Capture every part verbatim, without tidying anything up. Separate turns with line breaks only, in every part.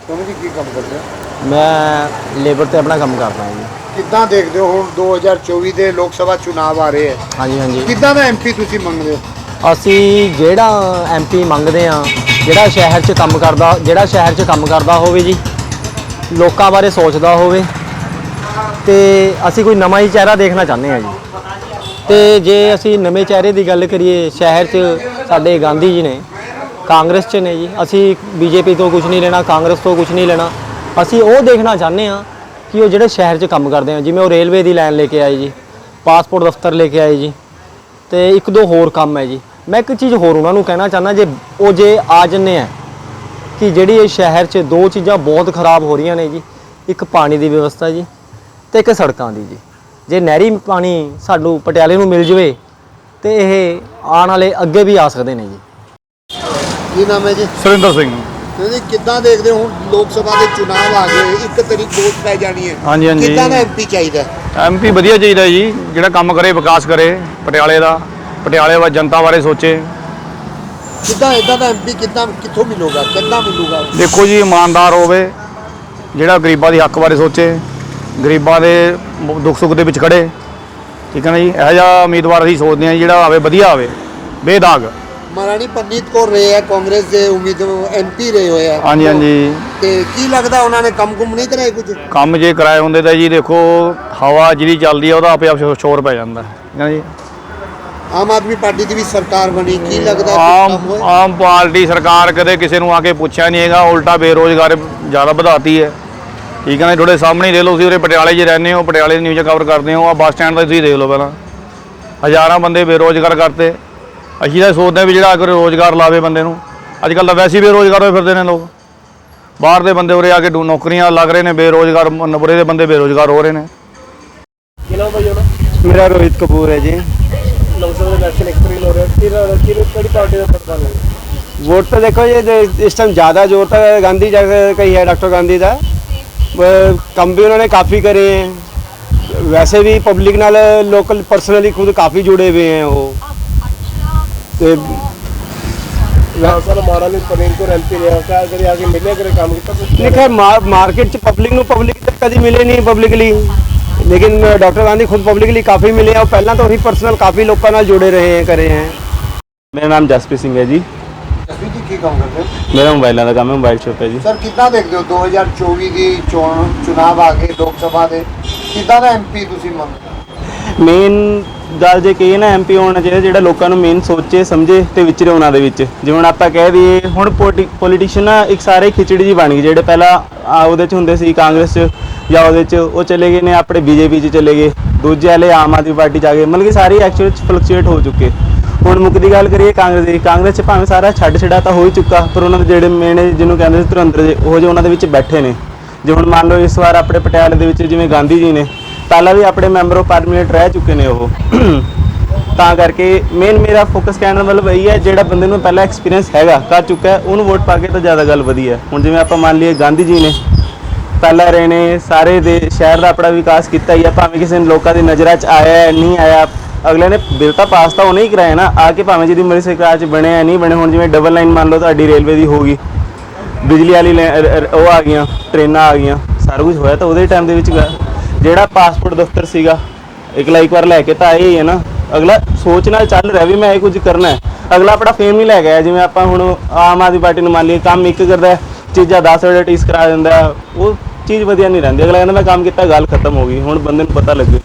तुम जी की काम करते हो?
मैं लेबर ते अपना काम करता हूँ जी।
कितना देखते हो हुण दो हज़ार चौबीस के लोक सभा चुनाव आ रहे हैं?
हाँ जी हाँ जी।
कितना का एम पी तुसी मंगदे हो?
ਅਸੀਂ ਜਿਹੜਾ ਐਮ ਪੀ ਮੰਗਦੇ ਆ ਜਿਹੜਾ ਸ਼ਹਿਰ 'ਚ ਕੰਮ ਕਰਦਾ ਜਿਹੜਾ ਸ਼ਹਿਰ 'ਚ ਕੰਮ ਕਰਦਾ ਹੋਵੇ ਜੀ, ਲੋਕਾਂ ਬਾਰੇ ਸੋਚਦਾ ਹੋਵੇ ਤੇ ਅਸੀਂ ਕੋਈ ਨਵਾਂ ਹੀ ਚਿਹਰਾ ਦੇਖਣਾ ਚਾਹੁੰਦੇ ਆ ਜੀ। ਤੇ ਜੇ ਅਸੀਂ ਨਵੇਂ ਚਿਹਰੇ ਦੀ ਗੱਲ ਕਰੀਏ, ਸ਼ਹਿਰ 'ਚ ਸਾਡੇ ਗਾਂਧੀ ਜੀ ਨੇ, ਕਾਂਗਰਸ 'ਚ ਨੇ ਜੀ। ਅਸੀਂ ਬੀਜੇਪੀ ਤੋਂ ਕੁਝ ਨਹੀਂ ਲੈਣਾ, ਕਾਂਗਰਸ ਤੋਂ ਕੁਝ ਨਹੀਂ ਲੈਣਾ। ਅਸੀਂ ਉਹ ਦੇਖਣਾ ਚਾਹੁੰਦੇ ਆ ਕਿ ਉਹ ਜਿਹੜੇ ਸ਼ਹਿਰ 'ਚ ਕੰਮ ਕਰਦੇ ਆ, ਜਿਵੇਂ ਉਹ ਰੇਲਵੇ ਦੀ ਲਾਈਨ ਲੈ ਕੇ ਆਏ ਜੀ, ਪਾਸਪੋਰਟ ਦਫ਼ਤਰ ਲੈ ਕੇ ਆਏ ਜੀ, ਤੇ ਇੱਕ ਦੋ ਹੋਰ ਕੰਮ ਹੈ ਜੀ। ਮੈਂ ਇੱਕ ਚੀਜ਼ ਹੋਰ ਉਹਨਾਂ ਨੂੰ ਕਹਿਣਾ ਚਾਹੁੰਦਾ, ਜੇ ਉਹ ਜੇ ਆ ਜੰਨੇ ਆ ਕਿ ਜਿਹੜੀ ਇਹ ਸ਼ਹਿਰ 'ਚ ਦੋ ਚੀਜ਼ਾਂ ਬਹੁਤ ਖਰਾਬ ਹੋ ਰਹੀਆਂ ਨੇ ਜੀ, ਇੱਕ ਪਾਣੀ ਦੀ ਵਿਵਸਥਾ ਜੀ ਤੇ ਇੱਕ ਸੜਕਾਂ ਦੀ ਜੀ। ਜੇ ਨਹਿਰੀ ਪਾਣੀ ਸਾਨੂੰ ਪਟਿਆਲੇ ਨੂੰ ਮਿਲ ਜਵੇ ਤੇ ਇਹ ਆਉਣ ਵਾਲੇ ਅੱਗੇ ਵੀ ਆ ਸਕਦੇ ਨੇ ਜੀ।
ਕੀ ਨਾਮ ਹੈ ਜੀ?
ਸੁਰਿੰਦਰ ਸਿੰਘ।
ਤੁਸੀਂ ਕਿੱਦਾਂ ਦੇਖਦੇ ਹੋ ਹੁਣ ਲੋਕ ਸਭਾ ਦੇ ਚੁਣਾਵ ਆ ਗਏ, ਇੱਕ ਤਰੀਕ ਵੋਟ ਪੈ ਜਾਣੀ ਹੈ?
ਹਾਂਜੀ ਹਾਂਜੀ।
ਕਿੱਦਾਂ ਦਾ ਐਮ ਪੀ ਚਾਹੀਦਾ?
ਐਮ ਪੀ ਵਧੀਆ ਚਾਹੀਦਾ ਜੀ, ਜਿਹੜਾ ਕੰਮ ਕਰੇ, ਵਿਕਾਸ ਕਰੇ ਪਟਿਆਲੇ ਦਾ, ਪਟਿਆਲੇ ਵਾ ਜਨਤਾ ਬਾਰੇ ਸੋਚੇ।
ਕਿੱਦਾਂ ਇਦਾਂ ਦਾ ਐਮ ਪੀ ਕਿੱਦਾਂ ਕਿੱਥੋਂ ਮਿਲੂਗਾ, ਕਿੱਦਾਂ ਮਿਲੂਗਾ?
ਦੇਖੋ ਜੀ, ਇਮਾਨਦਾਰ ਹੋਵੇ, ਜਿਹੜਾ ਗਰੀਬਾਂ ਦੀ ਹੱਕ ਬਾਰੇ ਸੋਚੇ, ਗਰੀਬਾਂ ਦੇ ਦੁੱਖ ਸੁੱਖ ਦੇ ਵਿੱਚ ਖੜੇ, ਠੀਕ ਹੈ ਨਾ ਜੀ। ਇਹੋ ਜਿਹਾ ਉਮੀਦਵਾਰ ਅਸੀਂ ਸੋਚਦੇ ਹਾਂ ਜਿਹੜਾ ਆਵੇ, ਵਧੀਆ ਆਵੇ, ਬੇਦਾਗ।
ਮਹਾਰਾਣੀ ਪਰਨੀਤ ਕੌਰ ਰਹੇ ਹੈ, ਕਾਂਗਰਸ ਦੇ ਉਮੀਦਵਾਰ ਐਮ ਪੀ ਰਹੇ ਹੋਏ ਆ।
ਹਾਂਜੀ ਹਾਂਜੀ।
ਤੇ ਕੀ ਲੱਗਦਾ ਉਹਨਾਂ ਨੇ ਕੰਮ ਕੁਮ ਨਹੀਂ ਕਰਾਏ ਕੁਝ?
ਕੰਮ ਜੇ ਕਰਾਏ ਹੁੰਦੇ ਤਾਂ ਜੀ ਦੇਖੋ, ਹਵਾ ਜਿਹੜੀ ਚੱਲਦੀ ਆ ਉਹਦਾ ਆਪੇ ਆਪ ਸ਼ੋਰ ਪੈ ਜਾਂਦਾ, ਠੀਕ ਹੈ ਨਾ ਜੀ।
ਆਮ ਆਦਮੀ ਪਾਰਟੀ ਦੀ ਵੀ ਸਰਕਾਰ ਬਣੀ, ਕੀ ਲੱਗਦਾ
ਆਮ
ਕੰਮ ਹੋਇਆ?
ਆਮ ਪਾਰਟੀ ਸਰਕਾਰ ਕਦੇ ਕਿਸੇ ਨੂੰ ਆ ਕੇ ਪੁੱਛਿਆ ਨਹੀਂ ਹੈਗਾ, ਉਲਟਾ ਬੇਰੋਜ਼ਗਾਰ ਜ਼ਿਆਦਾ ਵਧਾਤੀ ਹੈ, ਠੀਕ ਹੈ ਨਾ। ਤੁਹਾਡੇ ਸਾਹਮਣੇ ਹੀ ਦੇਖ ਲਓ, ਤੁਸੀਂ ਉਰੇ ਪਟਿਆਲੇ 'ਚ ਰਹਿੰਦੇ ਹੋ, ਪਟਿਆਲੇ ਦੀ ਨਿਊਜ਼ ਕਵਰ ਕਰਦੇ ਹੋ, ਆ ਬੱਸ ਸਟੈਂਡ ਦਾ ਤੁਸੀਂ ਦੇਖ ਲਓ, ਪਹਿਲਾਂ ਹਜ਼ਾਰਾਂ ਬੰਦੇ ਬੇਰੋਜ਼ਗਾਰ ਕਰਤੇ। ਅਸੀਂ ਤਾਂ ਸੋਚਦੇ ਹਾਂ ਵੀ ਜਿਹੜਾ ਅਗਰ ਰੋਜ਼ਗਾਰ ਲਾਵੇ ਬੰਦੇ ਨੂੰ, ਅੱਜ ਕੱਲ੍ਹ ਤਾਂ ਵੈਸੇ ਹੀ ਬੇਰੋਜ਼ਗਾਰ ਹੋਏ ਫਿਰਦੇ ਨੇ ਲੋਕ। ਬਾਹਰ ਦੇ ਬੰਦੇ ਉਰੇ ਆ ਕੇ ਨੌਕਰੀਆਂ ਲੱਗ ਰਹੇ ਨੇ, ਬੇਰੋਜ਼ਗਾਰ ਨੰਬਰੇ ਦੇ ਬੰਦੇ ਬੇਰੋਜ਼ਗਾਰ ਹੋ ਰਹੇ ਨੇ।
ਮੇਰਾ ਰੋਹਿਤ ਕਪੂਰ ਹੈ ਜੀ। वोट तो देखो ये इस टाइम ज़्यादा जोर तो गांधी जगह का ही है, डॉक्टर गांधी का। कम भी उन्होंने काफ़ी करे हैं, वैसे भी पब्लिक नाल लोकल पर्सनली खुद काफ़ी जुड़े हुए हैं वो। तो नहीं खैर मार्केट च पब्लिक नूं पब्लिक तो कभी मिले नहीं पब्लिकली, लेकिन डॉक्टर गांधी खुद पब्लिकली काफ़ी मिले और पहला तो ही पर्सनल काफ़ी लोगों नाल जुड़े रहे हैं, करे हैं।
मेरा नाम जसप्रीत सिंह है जी।
ਜਸਵੀਰ ਜੀ ਕੀ ਕੰਮ ਕਰਦੇ ਹੋ?
मेरा मोबाइलों का काम है, मोबाइल शॉप है जी।
ਸਰ ਕਿੱਦਾਂ ਦੇਖਦੇ ਹੋ ਦੋ ਹਜ਼ਾਰ ਚੌਵੀ ਦੀ ਚੋਣ ਚੁਣਾਵ ਆ ਗਏ ਲੋਕ ਸਭਾ ਦੇ, ਕਿੱਦਾਂ ਦਾ ਐਮ ਪੀ ਤੁਸੀਂ ਮੰਗਦੇ?
ਮੇਨ ਗੱਲ ਜੇ ਕਹੀਏ ਨਾ, ਐਮ ਪੀ ਹੋਣਾ ਚਾਹੀਦਾ ਜਿਹੜਾ ਲੋਕਾਂ ਨੂੰ ਮੇਨ ਸੋਚੇ ਸਮਝੇ ਤੇ ਵਿਚਰੇ ਉਹਨਾਂ ਦੇ ਵਿੱਚ। ਜਿਵੇਂ ਹੁਣ ਆਪਾਂ ਕਹਿ ਦਈਏ, ਹੁਣ ਪੋਲੀਟੀਸ਼ੀਅਨ ਨਾ ਇੱਕ ਸਾਰੇ ਖਿਚੜੀ ਜੀ ਬਣ ਗਈ। ਜਿਹੜੇ ਪਹਿਲਾਂ ਉਹਦੇ 'ਚ ਹੁੰਦੇ ਸੀ ਕਾਂਗਰਸ 'ਚ ਜਾਂ ਉਹਦੇ 'ਚ, ਉਹ ਚਲੇ ਗਏ ਨੇ ਆਪਣੇ ਬੀਜੇਪੀ 'ਚ ਚਲੇ ਗਏ, ਦੂਜੇ ਵਾਲੇ ਆਮ ਆਦਮੀ ਪਾਰਟੀ 'ਚ ਆ ਗਏ। ਮਤਲਬ ਕਿ ਸਾਰੇ ਐਕਚੁਅਲ 'ਚ ਫਲਕਚੁਏਟ ਹੋ ਚੁੱਕੇ। ਹੁਣ ਮੁੱਖ ਦੀ ਗੱਲ ਕਰੀਏ ਕਾਂਗਰਸ ਦੀ, ਕਾਂਗਰਸ 'ਚ ਭਾਵੇਂ ਸਾਰਾ ਛੱਡ ਛੜਾ ਤਾਂ ਹੋ ਹੀ ਚੁੱਕਾ, ਪਰ ਉਹਨਾਂ ਦੇ ਜਿਹੜੇ ਮੇਨ ਜਿਹਨੂੰ ਕਹਿੰਦੇ ਸੀ ਧੁਰੰਦਰ ਜੇ, ਉਹ ਜਿਹੇ ਉਹਨਾਂ ਦੇ ਵਿੱਚ ਬੈਠੇ ਨੇ। ਜੇ ਹੁਣ ਮੰਨ ਲਓ ਇਸ ਵਾਰ ਆਪਣੇ ਪਟਿਆਲੇ ਦੇ ਵਿੱਚ ਜਿਵੇਂ ਗਾਂਧੀ ਜੀ ਨੇ, ਪਹਿਲਾਂ ਵੀ ਆਪਣੇ ਮੈਂਬਰ ਆਫ ਪਾਰਲੀਮੈਂਟ ਰਹਿ ਚੁੱਕੇ ਨੇ ਉਹ। ਤਾਂ ਕਰਕੇ ਮੇਨ ਮੇਰਾ ਫੋਕਸ ਕਹਿਣ ਦਾ ਮਤਲਬ ਇਹੀ ਹੈ, ਜਿਹੜਾ ਬੰਦੇ ਨੂੰ ਪਹਿਲਾਂ ਐਕਸਪੀਰੀਅੰਸ ਹੈਗਾ, ਕਰ ਚੁੱਕਾ ਹੈ, ਉਹਨੂੰ ਵੋਟ ਪਾ ਕੇ ਤਾਂ ਜ਼ਿਆਦਾ ਗੱਲ ਵਧੀਆ। ਹੁਣ ਜਿਵੇਂ ਆਪਾਂ ਮੰਨ ਲਈਏ ਗਾਂਧੀ ਜੀ ਨੇ ਪਹਿਲਾਂ ਰਹੇ ਨੇ, ਸਾਰੇ ਦੇ ਸ਼ਹਿਰ ਦਾ ਆਪਣਾ ਵਿਕਾਸ ਕੀਤਾ ਹੀ ਆ, ਭਾਵੇਂ ਕਿਸੇ ਨੇ ਲੋਕਾਂ ਦੀ ਨਜ਼ਰਾਂ 'ਚ ਆਇਆ ਨਹੀਂ ਆਇਆ, ਅਗਲੇ ਨੇ ਬਿੱਲ ਤਾਂ ਪਾਸ ਤਾਂ ਉਹਨੇ ਹੀ ਕਰਾਇਆ ਨਾ ਆ ਕੇ, ਭਾਵੇਂ ਜਿਹਦੀ ਮੇਰੀ ਸਰਕਾਰ 'ਚ ਬਣਿਆ ਨਹੀਂ ਬਣੇ। ਹੁਣ ਜਿਵੇਂ ਡਬਲ ਲਾਈਨ ਮੰਨ ਲਓ ਤੁਹਾਡੀ ਰੇਲਵੇ ਦੀ ਹੋ ਗਈ, ਬਿਜਲੀ ਵਾਲੀ ਉਹ ਆ ਗਈਆਂ, ਟ੍ਰੇਨਾਂ ਆ ਗਈਆਂ, ਸਾਰਾ ਕੁਝ ਹੋਇਆ ਤਾਂ ਉਹਦੇ ਟਾਈਮ ਦੇ ਵਿੱਚ। ਜਿਹੜਾ ਪਾਸਪੋਰਟ ਦਫ਼ਤਰ ਸੀਗਾ, ਇਕਲਾ ਇੱਕ ਵਾਰ ਲੈ ਕੇ ਤਾਂ ਆਏ ਹੀ ਹੈ ਨਾ। ਅਗਲਾ ਸੋਚ ਨਾਲ ਚੱਲ ਰਿਹਾ ਵੀ ਮੈਂ ਇਹ ਕੁਝ ਕਰਨਾ ਹੈ, ਅਗਲਾ ਆਪਣਾ ਫੇਮ ਹੀ ਲੈ ਗਿਆ। ਜਿਵੇਂ ਆਪਾਂ ਹੁਣ ਆਮ ਆਦਮੀ ਪਾਰਟੀ ਨੂੰ ਮੰਨ ਲਈਏ, ਕੰਮ ਇੱਕ ਕਰਦਾ, ਚੀਜ਼ਾਂ ਦਸ ਵਜੇ ਟੀਸ ਕਰਾ ਦਿੰਦਾ, ਉਹ ਚੀਜ਼ ਵਧੀਆ ਨਹੀਂ ਰਹਿੰਦੀ। ਅਗਲਾ ਕਹਿੰਦਾ ਮੈਂ ਕੰਮ ਕੀਤਾ, ਗੱਲ ਖਤਮ ਹੋ ਗਈ। ਹੁਣ ਬੰਦੇ ਨੂੰ ਪਤਾ ਲੱਗੇ।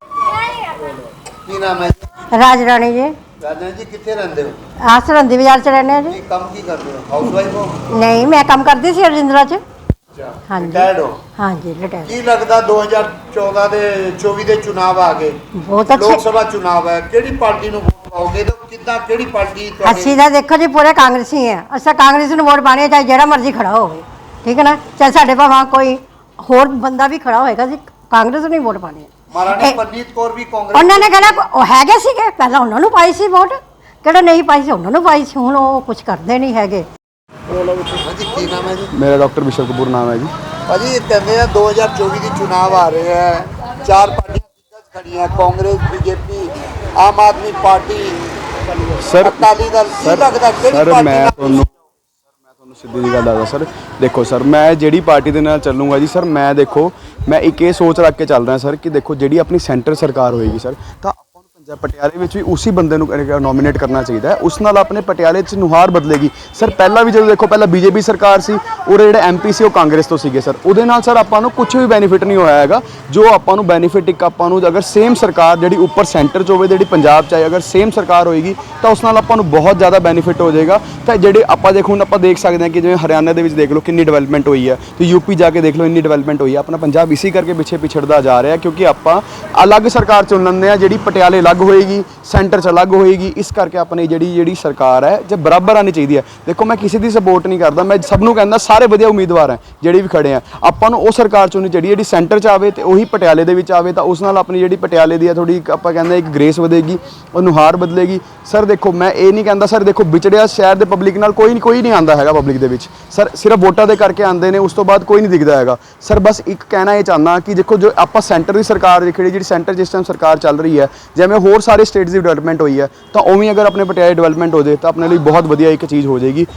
ਕੀ ਨਾਮ ਹੈ?
ਰਾਜ ਰਾਣੀ ਜੀ।
ਰਾਜਾ ਜੀ ਕਿੱਥੇ ਰਹਿੰਦੇ ਹੋ?
ਆ ਸਰਹੰਦੀ ਬਾਜ਼ਾਰ 'ਚ ਰਹਿੰਦੇ ਆ ਜੀ।
ਕੀ ਕੰਮ ਕੀ ਕਰਦੇ ਹੋ? ਹਾਊਸ ਵਾਈਫ ਹੋ?
ਨਹੀਂ, ਮੈਂ ਕੰਮ ਕਰਦੀ ਸੀ ਰਜਿੰਦਰਾ 'ਚ। ਹਾਂਜੀ
ਰਿਟਾਇਰਡ ਹੋ?
ਹਾਂਜੀ ਰਿਟਾਇਰ।
ਕੀ ਲੱਗਦਾ ਦੋ ਹਜ਼ਾਰ ਚੌਦਾਂ ਦੇ ਚੌਵੀ ਦੇ ਚੁਣਾਵ ਆ ਗਏ,
ਬਹੁਤ
ਲੋਕ
ਅੱਛੇ।
ਸਭਾ ਚੁਣਾਵ ਹੈ, ਕਿਹੜੀ ਪਾਰਟੀ ਨੂੰ ਵੋਟ ਪਾਓਗੇ ਤੇ ਕਿੱਦਾਂ, ਕਿਹੜੀ ਪਾਰਟੀ ਤੁਹਾਡੀ?
ਅਸੀਂ ਤਾਂ ਦੇਖੋ ਜੀ ਪੂਰੇ ਕਾਂਗਰਸੀ ਆ। ਅਸੀਂ ਕਾਂਗਰਸ ਨੂੰ ਵੋਟ ਪਾਣੀ, ਚਾਹੇ ਜਿਹੜਾ ਮਰਜ਼ੀ ਖੜਾ ਹੋਵੇ, ਠੀਕ ਹੈ ਨਾ। ਚਾਹੇ ਸਾਡੇ ਭਾਵੇਂ ਕੋਈ ਹੋਰ ਬੰਦਾ ਵੀ ਖੜਾ ਹੋਏਗਾ, ਅਸੀਂ ਕਾਂਗਰਸ ਨੂੰ ਹੀ ਵੋਟ ਪਾਣੀ ਹੈ।
ਮਹਾਰਾਣੀ ਪਰਨੀਤ ਕੌਰ ਵੀ ਕਾਂਗਰਸ
ਉਹਨਾਂ ਨੇ ਕਹਿਣਾ ਉਹ ਹੈਗੇ ਸੀਗੇ, ਪਹਿਲਾਂ ਉਹਨਾਂ ਨੂੰ ਪਾਈ ਸੀ ਵੋਟ, ਕਿਹੜਾ ਨਹੀਂ ਪਾਈ ਸੀ ਉਹਨਾਂ ਨੂੰ ਪਾਈ ਸੀ। ਹੁਣ ਉਹ ਕੁਝ ਕਰਦੇ ਨਹੀਂ ਹੈਗੇ।
ਹਾਂਜੀ ਕੀ ਨਾਮ ਹੈ ਜੀ?
ਮੇਰਾ ਡਾਕਟਰ ਵਿਸ਼ਵ ਕਪੂਰ ਨਾਮ ਹੈ ਜੀ।
ਭਾਜੀ ਕਹਿੰਦੇ ਆ ਦੋ ਹਜ਼ਾਰ ਚੌਵੀ ਦੀ ਚੁਣਾਵ ਆ ਰਹੇ ਹੈ, ਚਾਰ ਪਾਰਟੀਆਂ ਖੜੀਆਂ, ਕਾਂਗਰਸ, ਬੀਜੇਪੀ, ਆਮ ਆਦਮੀ ਪਾਰਟੀ,
ਸਰ
ਅਕਾਲੀ ਦਲ। ਕੀ ਲੱਗਦਾ ਕਿਹੜੀ
ਸਰ
ਪਾਰਟੀ
ਮੈਂ
ਨਾਲ?
ਤੁਹਾਨੂੰ
ਸਿੱਧੀ ਜੀ ਗੱਲ ਆਦਾ ਸਰ, ਦੇਖੋ ਸਰ ਮੈਂ ਜਿਹੜੀ ਪਾਰਟੀ ਦੇ ਨਾਲ ਚੱਲੂੰਗਾ ਜੀ ਸਰ, ਮੈਂ ਦੇਖੋ ਮੈਂ ਇੱਕ ਇਹ ਸੋਚ ਰੱਖ ਕੇ ਚੱਲ ਰਿਹਾ ਸਰ ਕਿ ਦੇਖੋ ਜਿਹੜੀ ਆਪਣੀ ਸੈਂਟਰ ਸਰਕਾਰ ਹੋਏਗੀ ਸਰ, ਤਾਂ ਆਪਾਂ ਨੂੰ ਪੰਜਾਬ ਪਟਿਆਲੇ ਵਿੱਚ ਵੀ ਉਸੇ ਬੰਦੇ ਨੂੰ ਨੋਮੀਨੇਟ ਕਰਨਾ ਚਾਹੀਦਾ ਹੈ। ਉਸ ਨਾਲ ਆਪਣੇ ਪਟਿਆਲੇ 'ਚ ਨੁਹਾਰ ਬਦਲੇਗੀ ਸਰ। ਪਹਿਲਾਂ ਵੀ ਜਦੋਂ ਦੇਖੋ ਪਹਿਲਾਂ ਬੀਜੇਪੀ ਸਰਕਾਰ ਸੀ, ਉਹਦੇ ਜਿਹੜੇ ਐਮਪੀ ਸੀ ਉਹ ਕਾਂਗਰਸ ਤੋਂ ਸੀਗੇ ਸਰ, ਉਹਦੇ ਨਾਲ ਸਰ ਆਪਾਂ ਨੂੰ ਕੁਝ ਵੀ ਬੈਨੀਫਿਟ ਨਹੀਂ ਹੋਇਆ ਹੈਗਾ। ਜੋ ਆਪਾਂ ਨੂੰ ਬੈਨੀਫਿਟ ਇੱਕ ਆਪਾਂ ਨੂੰ ਅਗਰ ਸੇਮ ਸਰਕਾਰ ਜਿਹੜੀ ਉੱਪਰ ਸੈਂਟਰ 'ਚ ਹੋਵੇ, ਜਿਹੜੀ ਪੰਜਾਬ 'ਚ ਆਏ, ਅਗਰ ਸੇਮ ਸਰਕਾਰ ਹੋਏਗੀ ਤਾਂ ਉਸ ਨਾਲ ਆਪਾਂ ਨੂੰ ਬਹੁਤ ਜ਼ਿਆਦਾ ਬੈਨੀਫਿਟ ਹੋ ਜਾਏਗਾ। ਤਾਂ ਜਿਹੜੇ ਆਪਾਂ ਦੇਖੋ ਹੁਣ ਆਪਾਂ ਦੇਖ ਸਕਦੇ ਹਾਂ ਕਿ ਜਿਵੇਂ ਹਰਿਆਣਾ ਦੇ ਵਿੱਚ ਦੇਖ ਲਓ ਕਿੰਨੀ ਡਿਵੈਲਪਮੈਂਟ ਹੋਈ ਹੈ, ਤੇ ਯੂਪੀ ਜਾ ਕੇ ਦੇਖ ਲਓ ਇੰਨੀ ਡਿਵੈਲਪਮੈਂਟ ਹੋਈ ਹੈ। ਆਪਣਾ ਪੰਜਾਬ ਇਸੇ ਕਰਕੇ ਪਿੱਛੇ ਪਿਛੜਦਾ ਜਾ ਰਿਹਾ ਕਿਉਂਕਿ ਆਪਾਂ ਅਲੱਗ ਸਰਕਾਰ ਚੁਣ ਲੈਂਦੇ ਹਾਂ, ਜਿਹੜੀ ਪਟਿਆਲੇ ਅਲੱਗ ਹੋਏਗੀ, ਸੈਂਟਰ 'ਚ ਅਲੱਗ ਹੋਏਗੀ। ਇਸ ਕਰਕੇ ਆਪਣੀ ਜਿਹੜੀ ਜਿਹੜੀ ਸਰਕਾਰ ਹੈ ਜੇ ਬਰਾਬਰ ਆਉਣੀ ਚਾਹੀਦੀ ਹੈ। ਦੇਖੋ ਮੈਂ ਕਿਸੇ ਦੀ ਸਪੋਰਟ ਨਹੀਂ ਕਰਦਾ, ਮੈਂ ਸਭ ਨੂੰ ਕਹਿੰਦਾ ਸਾਰੇ ਵਧੀਆ ਉਮੀਦਵਾਰ ਹੈ ਜਿਹੜੇ ਵੀ ਖੜੇ ਆ, ਆਪਾਂ ਨੂੰ ਉਹ ਸਰਕਾਰ ਚੁਣਨੀ ਚਾਹੀਦੀ ਜਿਹੜੀ ਸੈਂਟਰ 'ਚ ਆਵੇ ਤੇ ਉਹੀ ਪਟਿਆਲੇ ਦੇ ਵਿੱਚ ਆਵੇ, ਤਾਂ ਉਸ ਨਾਲ ਆਪਣੀ ਜਿਹੜੀ ਪਟਿਆਲੇ ਦੀ ਹੈ ਥੋੜੀ ਆਪਾਂ ਕਹਿੰਦੇ ਇੱਕ ਗ੍ਰੇਸ ਵਧੇਗੀ, ਉਹ ਨੁਹਾਰ ਬਦਲੇਗੀ। ਸਰ ਦੇਖੋ ਮੈਂ ਇਹ ਨਹੀਂ ਕਹਿੰਦਾ ਸਰ, ਦੇਖੋ ਵਿਚੜਿਆ ਸ਼ਹਿਰ ਦੇ ਪਬਲਿਕ ਨਾਲ ਕੋਈ ਕੋਈ ਨਹੀਂ ਆਉਂਦਾ ਹੈਗਾ ਪਬਲਿਕ ਦੇ ਵਿੱਚ ਸਰ, ਸਿਰਫ ਵੋਟਾਂ ਦੇ ਕਰਕੇ ਆਉਂਦੇ ਨੇ, ਉਸ ਤੋਂ ਬਾਅਦ ਕੋਈ ਨਹੀਂ ਦਿਖਦਾ ਹੈਗਾ ਸਰ। ਬਸ ਇੱਕ ਕਹਿਣਾ ਇਹ ਚਾਹੁੰਦਾ ਕਿ ਦੇਖੋ ਜੋ ਆਪਾਂ ਸੈਂਟਰ ਦੀ ਸਰਕਾਰ ਜਿਹੜੀ ਜਿਹੜੀ ਸੈਂਟਰ ਜਿਸ ਟਾਈਮ ਸਰਕਾਰ ਚੱਲ ਰਹੀ ਹੈ, ਜਿਵੇਂ ਹੋਰ ਸਾਰੇ ਸਟੇਟਸ ਦੀ ਡਿਵੈਲਪਮੈਂਟ ਹੋਈ ਹੈ, ਤਾਂ ਉਵੇਂ ਅਗਰ ਆਪਣੇ ਪਟਿਆਲੇ ਡਿਵੈਲਪਮੈਂਟ ਹੋ ਜਾਏ ਤਾਂ ਆਪਣੇ ਲਈ ਬਹੁਤ ਵਧੀਆ ਇੱਕ ਚੀਜ਼ ਹੋ ਜਾਏਗੀ।